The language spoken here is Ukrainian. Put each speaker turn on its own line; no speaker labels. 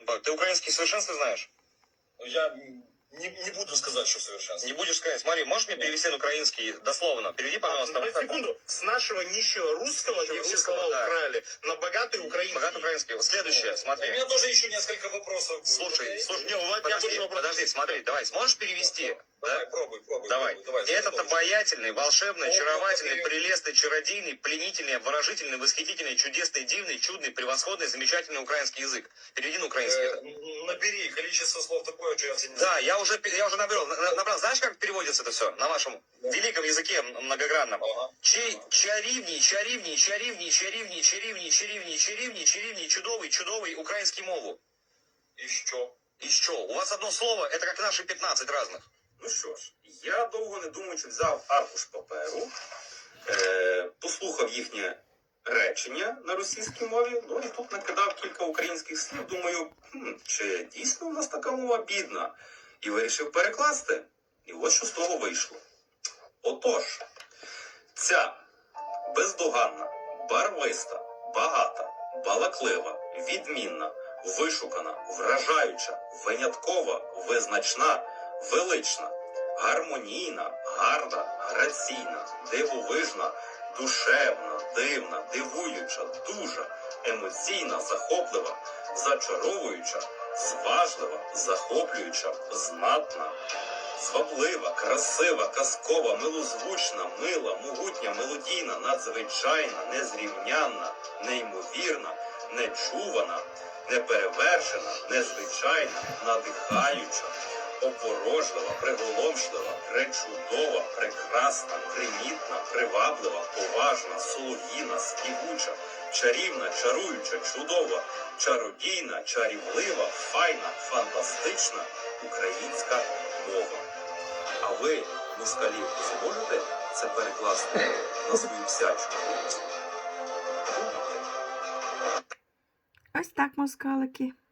Ты украинский в совершенстве знаешь?
Я не буду сказать, что совершенство.
Не будешь сказать. Смотри, можешь мне перевести на украинский дословно? Переведи, пожалуйста.
На секунду. С нашего нищего русского, где все слова
да.
украли, на богатый украинский.
Богатый украинский. Следующее, смотри.
У меня тоже еще несколько вопросов будет.
Слушай,
Не, у меня больше вопросов.
подожди, смотри, давай, сможешь перевести?
Давай,
Да?
пробуй.
Давай. Этот
Закончим.
обаятельный, волшебный,
О,
очаровательный,
смотри.
прелестный, чародийный, пленительный, обворожительный, восхитительный, чудесный, дивный, чудный, превосходный, замечательный украинский язык. Переведи на украинский.
Набери количество слов такое, что я тебе не
Да, я уже набрал. Знаешь, как переводится это все на вашем великом языке многогранном?
Ага.
Чарівній, чарівній, чарівній, чарівній, чарівній, чарівній, чарівній, чарівній, чудовий, чудовий український мову.
І що?
І що? У вас одно слово, это как наши 15 разных.
Ну що ж, я довго не думаючи взяв аркуш паперу, послухав їхнє речення на російській мові, ну і тут накидав кілька українських слів, думаю, чи дійсно у нас така мова бідна? І вирішив перекласти. І от що з того вийшло. Отож, ця бездоганна, барвиста, багата, балаклива, відмінна, вишукана, вражаюча, виняткова, визначна, велична, гармонійна, гарна, граційна, дивовижна, душевна, дивна, дивуюча, дужа, емоційна, захоплива, зачаровуюча, зважлива, захоплююча, знатна, зваблива, красива, казкова, милозвучна, мила, могутня, мелодійна, надзвичайна, незрівнянна, неймовірна, нечувана, неперевершена, незвичайна, надихаюча, опорожлива, приголомшлива, пречудова, прекрасна, примітна, приваблива, поважна, солов'їна, співуча, чарівна, чаруюча, чудова, чародійна, чарівлива, файна, фантастична українська мова. А ви, москалі, зможете це перекласти на свою псячку?
Ось так, москалики.